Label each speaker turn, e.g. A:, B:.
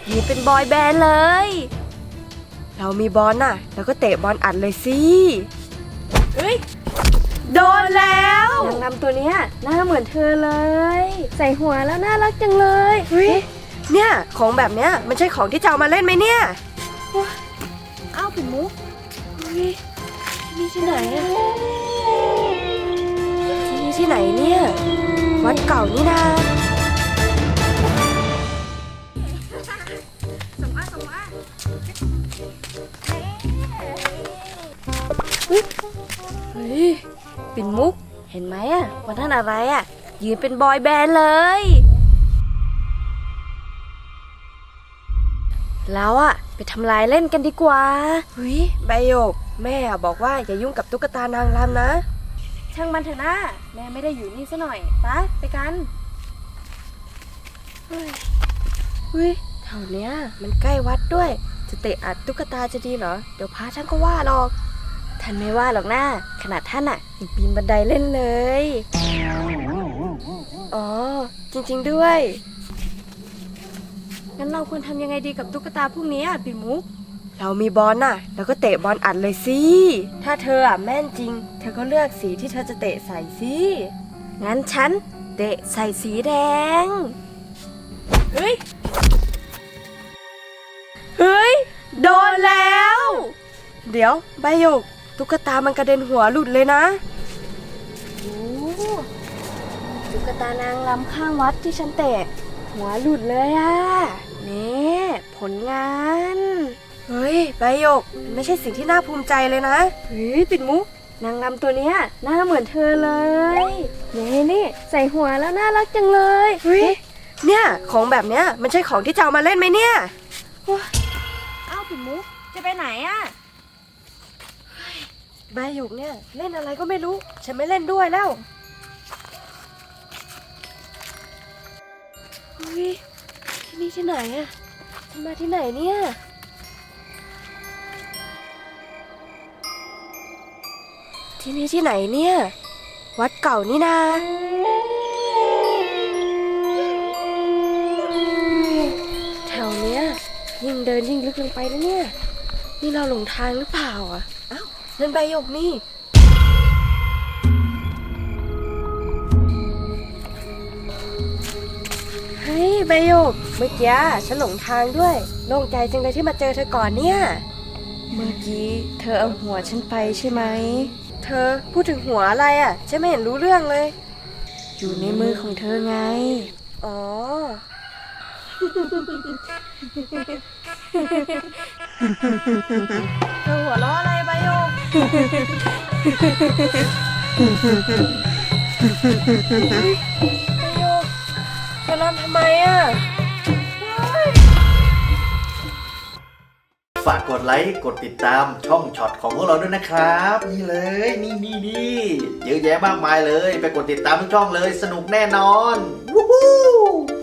A: ยืนเป็นบอยแบนด์เลยเรามีบอลน่ะแล้วก็เตะบอลอัดเลยสิเฮ้ยโดนแล้วนางรำตัวเนี้ยหน้าเหมือนเธอเลยใส่หัวแล้วน่ารักจังเลยเฮ้ยเนี่ยของแบบเนี้ยมันใช่ของที่จะเอามาเล่นไหมเนี่ยอ้าวปิ่นมุกเฮ้ยนี่ที่ไหนอะที่นี่ที่ไหนเนี่ยวัดเก่านี่นาเฮ้ยปิ่นมุกเห็นไหมอะวันนั้นอะไรอะยืนเป็นบอยแบนด์เลยแล้วอะไปทำลายเล่นกันดีกว่าเฮ้ยใบหยกแม่บอกว่าอย่ายุ่งกับตุ๊กตานางรำนะช่างมันเถอะนะแม่ไม่ได้อยู่นี่ซะหน่อยไปกันเฮ้ยแถวเนี้ยมันใกล้วัดด้วยจะเตะอัดตุ๊กตาจะดีเหรอเดี๋ยวพระท่านก็ว่าหรอกท่านไม่ว่าหรอกนะขนาดท่านอะยังปีนบันไดเล่นเลยอ๋อจริงๆด้วยงั้นเราควรทำยังไงดีกับตุ๊กตาพวกนี้ปิ่นมุกเรามีบอลน่ะแล้วก็เตะบอลอัดเลยสิถ้าเธอแม่นจริงเธอก็เลือกสีที่เธอจะเตะใส่สิงั้นฉันเตะใส่สีแดงเฮ้ยโดนแล้วเดี๋ยวใบหยกตุ๊กตามันกระเด็นหัวหลุดเลยนะโอ้ตุ๊กตานางรำข้างวัดที่ฉันเตะหัวหลุดเลยนี่ผลงานเฮ้ยใบหยกไม่ใช่สิ่งที่น่าภูมิใจเลยนะเฮ้ยปิ่นมุกนางรำตัวเนี้ยหน้าเหมือนเธอเลยนี่ใส่หัวแล้วน่ารักจังเลยเฮ้ยเนี่ยของแบบเนี้ยมันใช่ของที่จะเอามาเล่นไหมเนี่ยอ้าวปิ่นมุกจะไปไหนใบหยกเนี่ยเล่นอะไรก็ไม่รู้ฉันไม่เล่นด้วยแล้วเฮ้ยที่นี่ที่ไหนฉันมาที่ไหนเนี่ยที่นี่ที่ไหนเนี่ยวัดเก่านี่นาแถวเนี้ยยิ่งเดินยิ่งลึกลงไปแล้วเนี่ยนี่เราหลงทางหรือเปล่าอ้าวนั่นใบหยกนี่เฮ้ยใบหยกเมื่อกี้ฉันหลงทางด้วยโล่งใจจังเลยที่มาเจอเธอก่อนเนี่ยเมื่อกี้เธอเอาหัวฉันไปใช่ไหมเธอพูดถึงหัวอะไรฉันไม่เห็นรู้เรื่องเลยอยู่ในมือของเธอไงอ๋อเธอหัวเราะอะไรใบหยกประโยคจะรำทำไม
B: ฝากกดไลค์กดติดตามช่องช็อตของพวกเราด้วยนะครับนี่เลยนี่เยอะแยะมากมายเลยไปกดติดตามทุกช่องเลยสนุกแน่นอนวู้ฮู้